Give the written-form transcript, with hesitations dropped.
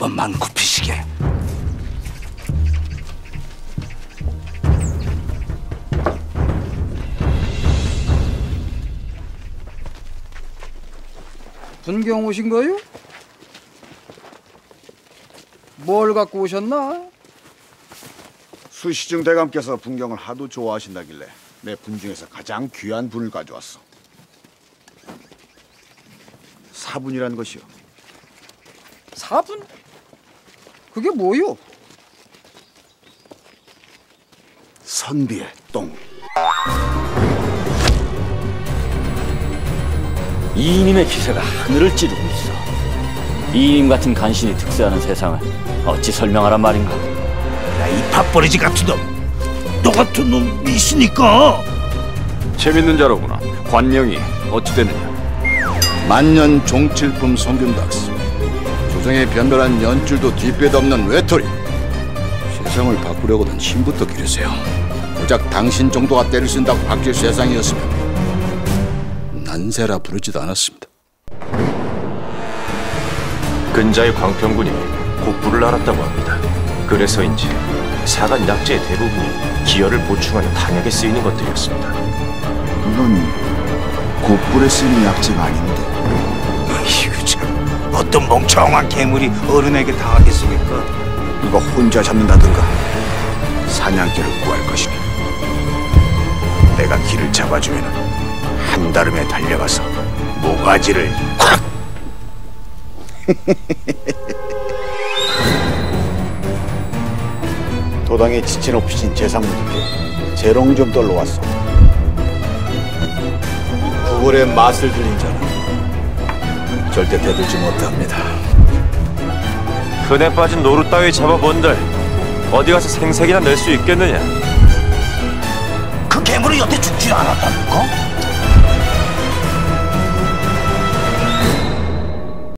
번만 굽히시게. 분경 오신 거요? 뭘 갖고 오셨나? 수시증 대감께서 분경을 하도 좋아하신다길래 내 분 중에서 가장 귀한 분을 가져왔어. 사분이라는 것이요. 사분? 그게 뭐요? 선비의 똥. 이인임의 기세가 하늘을 찌르고 있어. 이인임 같은 간신이 득세하는 세상을 어찌 설명하란 말인가? 야, 이 밥버리지 같은 놈, 너 같은 놈이 있으니까. 재밌는 자로구나. 관명이 어찌 되느냐? 만년 종칠품 성균박스, 조정의 변변한 연줄도 뒷배도 없는 외톨이. 세상을 바꾸려고는 힘부터 기르세요. 고작 당신 정도가 때를 쓴다고 바뀔 세상이었으면 난세라 부르지도 않았습니다. 근자의 광평군이 곡부를 알았다고 합니다. 그래서인지 사간 약재의 대부분이 기혈을 보충하는 탄약에 쓰이는 것들이었습니다. 이건 곡불에 쓰이는 약재가 아닌데. 이거 참, 어떤 멍청한 괴물이 어른에게 당하겠습니까? 이거 혼자 잡는다든가 사냥개를 구할 것이니 내가 길을 잡아주면 한달음에 달려가서 모가지를 콱! 도당에 지체 높이신 재상분들께 재롱 좀 떨러 왔소. 구걸의 맛을 들린 자는 절대 대들지 못합니다. 흔해 빠진 노루 따위 잡아본들 어디 가서 생색이나 낼 수 있겠느냐? 그 괴물이 여태 죽지 않았다니까?